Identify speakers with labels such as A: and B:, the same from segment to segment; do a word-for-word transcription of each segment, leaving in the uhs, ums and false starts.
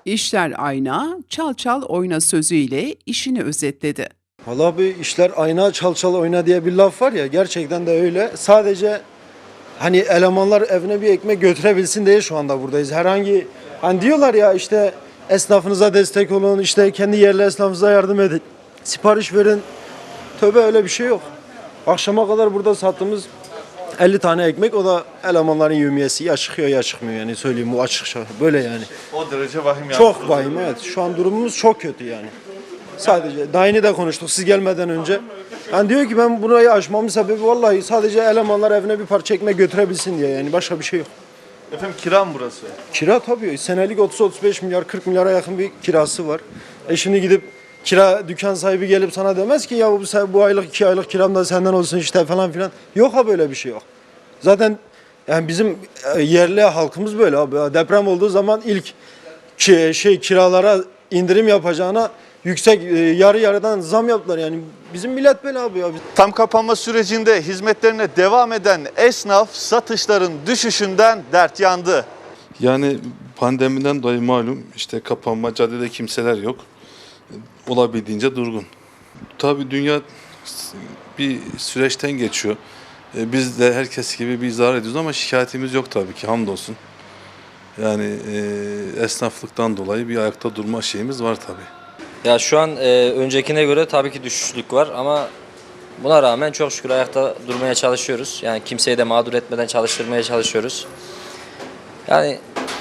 A: İşler ayna, çal çal oyna sözüyle işini özetledi.
B: Vallahi bir işler ayna çal çal oyna diye bir laf var ya, gerçekten de öyle. Sadece hani elemanlar evine bir ekmek götürebilsin diye şu anda buradayız. Herhangi hani diyorlar ya işte esnafınıza destek olun, işte kendi yerli esnafınıza yardım edin, sipariş verin. Tövbe, öyle bir şey yok. Akşama kadar burada sattığımız elli tane ekmek, o da elemanların yevmiyesi, ya çıkıyor ya çıkmıyor, yani söyleyeyim bu açıkça böyle yani.
C: O derece vahim yani.
B: Çok vahim, evet. Şu an durumumuz çok kötü yani. Sadece daha yeni de konuştuk siz gelmeden önce. Yani diyor ki ben burayı açmamın sebebi vallahi sadece elemanlar evine bir parça ekmek götürebilsin diye, yani başka bir şey yok.
C: Efendim kira mı burası?
B: Kira tabii senelik otuz otuz beş milyar, kırk milyara yakın bir kirası var. E şimdi gidip kira dükkan sahibi gelip sana demez ki ya bu, bu aylık iki aylık kiram da senden olsun işte falan filan. Yok ha, böyle bir şey yok. Zaten yani bizim e, yerli halkımız böyle abi. Deprem olduğu zaman ilk ki, şey kiralara indirim yapacağına yüksek e, yarı yarıdan zam yaptılar, yani bizim millet böyle abi ya.
C: Tam kapanma sürecinde hizmetlerine devam eden esnaf satışların düşüşünden dert yandı.
D: Yani pandemiden dolayı malum işte kapanma, caddede kimseler yok. Olabildiğince durgun. Tabii dünya bir süreçten geçiyor. E, Biz de herkes gibi bir zarar ediyoruz ama şikayetimiz yok tabii ki, hamdolsun. Yani e, esnaflıktan dolayı bir ayakta durma şeyimiz var tabii.
E: Ya şu an e, öncekine göre tabii ki düşüşlük var ama buna rağmen çok şükür ayakta durmaya çalışıyoruz. Yani kimseyi de mağdur etmeden çalıştırmaya çalışıyoruz. Yani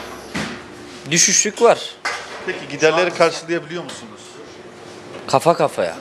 E: düşüşlük var.
C: Peki giderleri karşılayabiliyor musunuz?
E: Kafa kafaya.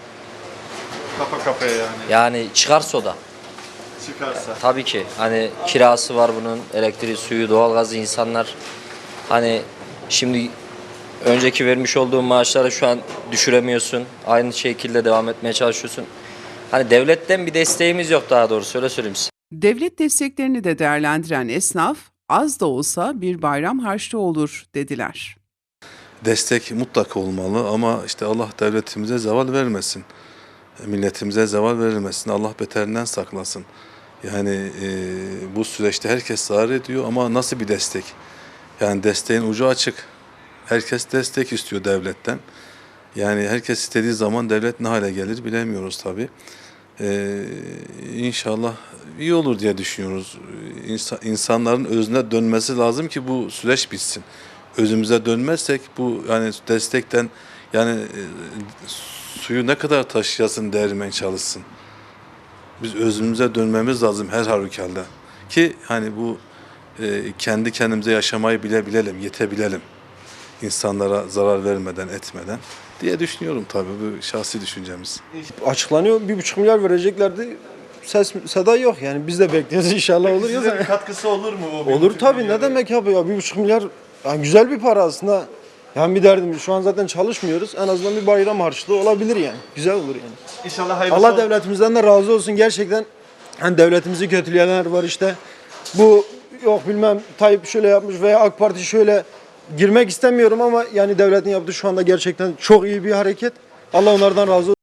C: Kafa kafaya yani.
E: Yani çıkarsa o da.
C: Çıkarsa.
E: Tabii ki hani kirası var bunun, elektriği, suyu, doğalgazı, insanlar hani şimdi önceki vermiş olduğun maaşları şu an düşüremiyorsun. Aynı şekilde devam etmeye çalışıyorsun. Hani devletten bir desteğimiz yok, daha doğrusu öyle söyleyeyim size.
A: Devlet desteklerini de değerlendiren esnaf, az da olsa bir bayram harçlığı olur dediler.
D: Destek mutlaka olmalı ama işte Allah devletimize zeval vermesin. Milletimize zeval verilmesin. Allah beterinden saklasın. Yani e, bu süreçte herkes zarar ediyor ama nasıl bir destek? Yani desteğin ucu açık. Herkes destek istiyor devletten. Yani herkes istediği zaman devlet ne hale gelir bilemiyoruz tabii. Ee, İnşallah iyi olur diye düşünüyoruz. İnsan, insanların özüne dönmesi lazım ki bu süreç bitsin. Özümüze dönmezsek bu yani destekten yani e, suyu ne kadar taşıyasın değirmen çalışsın. Biz özümüze dönmemiz lazım her halükarda. Ki hani bu e, kendi kendimize yaşamayı bile bilelim, yetebilelim. İnsanlara zarar vermeden, etmeden diye düşünüyorum tabii, bu şahsi düşüncemiz.
B: Açıklanıyor, bir buçuk milyar vereceklerdi. Ses seda yok, yani biz de bekliyoruz, inşallah olur ya.
C: Size bir katkısı olur mu? O bir
B: Olur
C: buçuk
B: tabii,
C: milyarın?
B: ne demek abi ya, bir buçuk milyar yani güzel bir para aslında. Yani bir derdimiz, şu an zaten çalışmıyoruz, en azından bir bayram harçlığı olabilir yani, güzel olur yani.
C: İnşallah hayırlısı
B: Allah
C: olur.
B: devletimizden de razı olsun gerçekten. Hani devletimizi kötüleyenler var işte. Bu yok bilmem Tayyip şöyle yapmış veya AK Parti şöyle, girmek istemiyorum ama yani devletin yaptığı şu anda gerçekten çok iyi bir hareket. Allah onlardan razı olsun.